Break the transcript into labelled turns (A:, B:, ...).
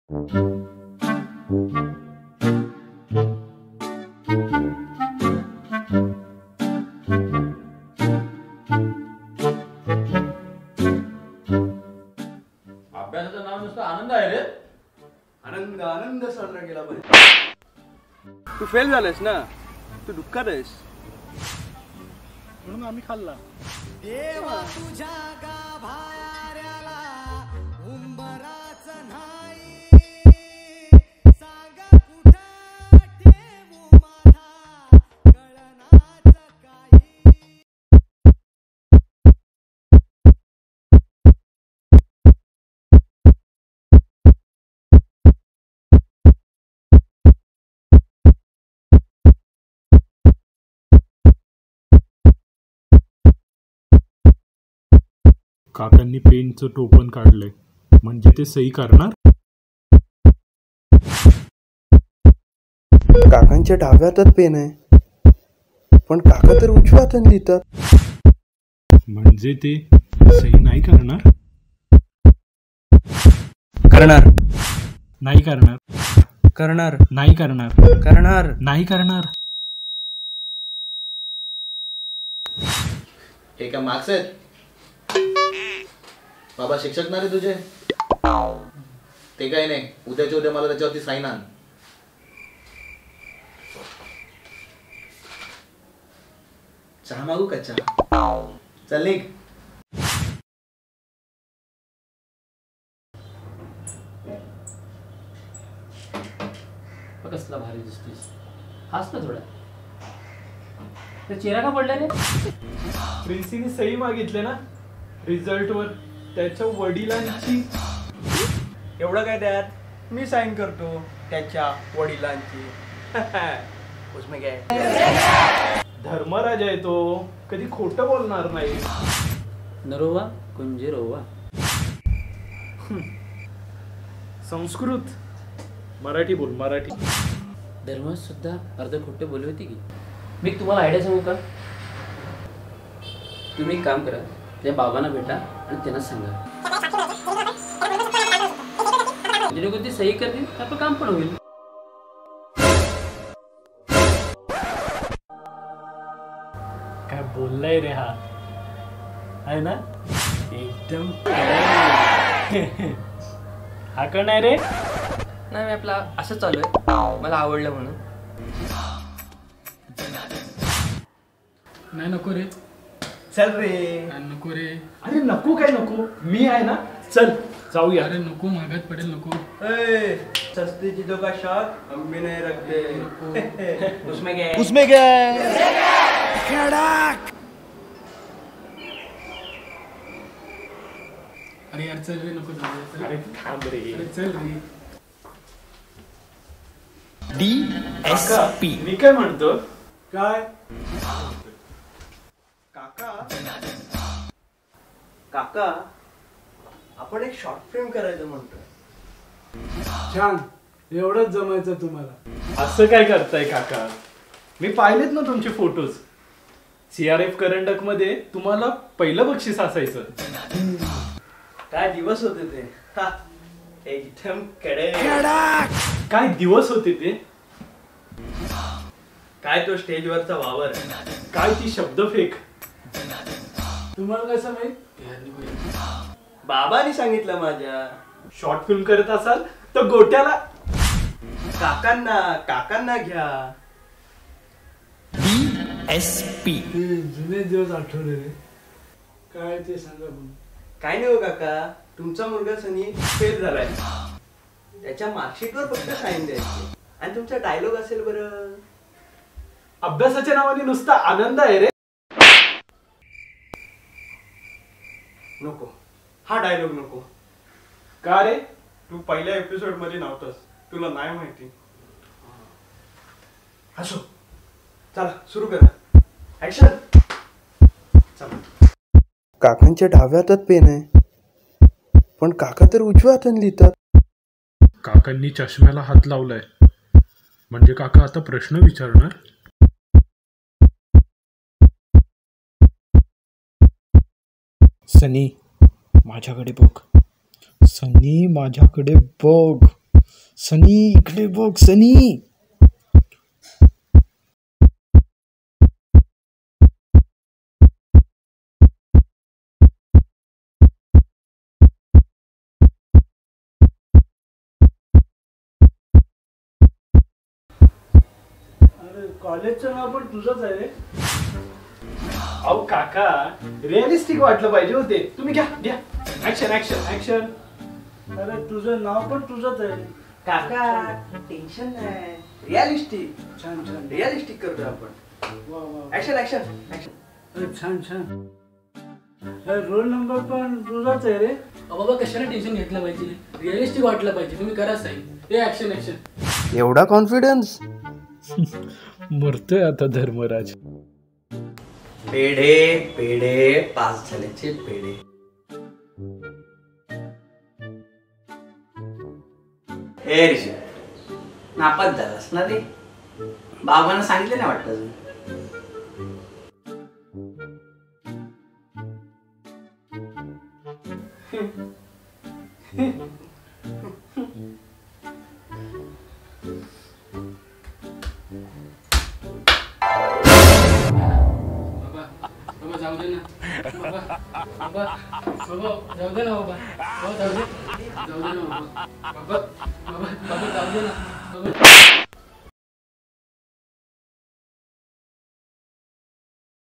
A: अभ्यासाचं नाव नुसतं आनंद आहे रे.
B: आनंद आनंद साजरा केला पाहिजे. तू फेल झालास ना, तू दुःखात आहेस म्हणून आम्ही खाल्ला.
C: देवा तुझ्या गाभाऱ्याला उंबराच नाही, सांगा कुठं ठेवू माझा कळनाच काही.
D: काकांनी पेनचं टोपण काढलंय, म्हणजे ते सही करणार.
B: काकांच्या डाव्या हातात पेन आहे, पण काका तर उजव्या हाताने लिहितात.
D: म्हणजे ते सही नाही करणार.
B: करणार
D: नाही करणार.
B: करणार
D: नाही करणार.
B: करणार
D: नाही करणार.
A: हे काय मार्क्स आहेत बाबा? शिक्षक ना रे तुझे? ते काही नाही, उद्याच्या उद्या मला त्याच्यावरती साईन आण. चहा मागू का? चहा चल निघ.
E: कसला भारी दिसतोस. हाच ना थोडा. चेहरा का पडला रे?
D: प्रिन्सीने सही मागितले ना रिझल्ट वर, त्याच्या वडिलांची.
B: एवढं काय त्यात, मी साईन करतो त्याच्या वडिलांची. उसमें काय,
D: धर्मराज आहे तो, कधी खोटं बोलणार नाही.
E: नरोवा कुंजे रोवा.
D: संस्कृत. मराठी बोल, मराठी.
E: धर्मात सुद्धा अर्ध खोटे बोलली होती की. मी तुम्हाला आयडिया सांगू का? तुम्ही एक काम करा, त्या बाबांना भेटा आणि त्यांना सांगा, जेणेकरून ते सही करतील, आपलं काम पण होईल.
D: काय बोललाय रे हा, आहे ना एकदम. हा का नाही रे?
F: नाही, मी आपला असं चालू आहे, मला आवडलं म्हणून.
G: नाही नको रे.
B: चल रे.
G: नको रे.
D: अरे नको काय नको, मी आहे ना. चल जाऊया.
G: अरे नको, मागात पडेल. नको.
B: सस्ती चीजों का शौक हम भी नहीं रखते. उसमें क्या,
C: उसमें क्या खड़ाक.
G: अरे यार चल रे, नको जाऊ.
D: अरे थांब रे.
G: अरे चल रे.
D: DSP. मी काय म्हणतो,
B: काय काका, काका आपण एक शॉर्ट फिल्म करायचं म्हणतोय.
G: छान, एवढंच जमायचं तुम्हाला.
D: असं काय करताय काका? मी पाहिलेत ना तुमचे फोटोज. CRF करंडक मध्ये तुम्हाला पहिलं बक्षीस असायचं.
B: काय दिवस होते ते. एकदम
D: काय दिवस होते ते.
B: काय तो स्टेजवरचा वावर,
D: काय ती शब्दफेक.
G: तुम्हाला कसं माहित?
B: बाबांनी सांगितलं माझ्या.
D: शॉर्ट फिल्म करत असाल तर गोट्याला.
B: काकांना घ्या.
D: DSP.
G: जुने दिवस आठवले रे. काय ते सांगा बघ.
B: काय नाही हो काका, तुमचा मुलगा सनी फेल झालाय, त्याच्या मार्कशीटवर फक्त साईन द्यायची आणि तुमचा डायलॉग असेल बरं.
D: अभ्यासाच्या नावाने नुसता आनंद आहे रे.
B: नको, हा डायलॉग नको.
D: का रे?
B: तू पहिल्या एपिसोड मध्ये नव्हतास, तुला नाही माहिती. असो, चला सुरू करा. ऍक्शन. काकांच्या डाव्या हातात पेन आहे, पण काका तर उजव्या हाताने लिहितात.
D: काकांनी चष्म्याला हात लावलाय, म्हणजे काका आता प्रश्न विचारणार.
H: सनी माझ्याकडे बघ. सनी माझ्याकडे बघ.
G: सनी इकडे बघ सनी.
D: अरे कॉलेजचं नाव पण तुझंच आहे रे. अहो काका, रिअलिस्टिक वाटलं पाहिजे होते. तुम्ही घ्या घ्या. Action action action.
G: अरे तुझं नाव पण तुझंच आहे.
B: काका टेन्शन नाही, रिअलिस्टिक
G: छान छान.
B: रिअलिस्टिक करतोय आपण.
G: वा वा.
B: Action action action.
G: अरे छान छान. अरे रोल नंबर पण तुझाच आहे रे.
E: बाबा कशाला टेन्शन घेतलं पाहिजे, रिअलिस्टिक वाटलं पाहिजे. तुम्ही करा साईन. हे ऍक्शन ऍक्शन.
B: एवढा कॉन्फिडन्स.
D: मरतोय आता धर्मराज.
B: पेढे पेढे पास झाल्याचे पेढे. हे ऋषी नापास झालास ना रे. बाबांना सांगितलं नाही वाटतं अजून.
E: बाबा जाऊ दे ना. बाबा बाबा बाबा जाऊ दे ना बाबा. बाबा जाऊ दे. जाऊ दे ना बाबा. बाबा बाबा बाबा जाऊ दे ना. बाबा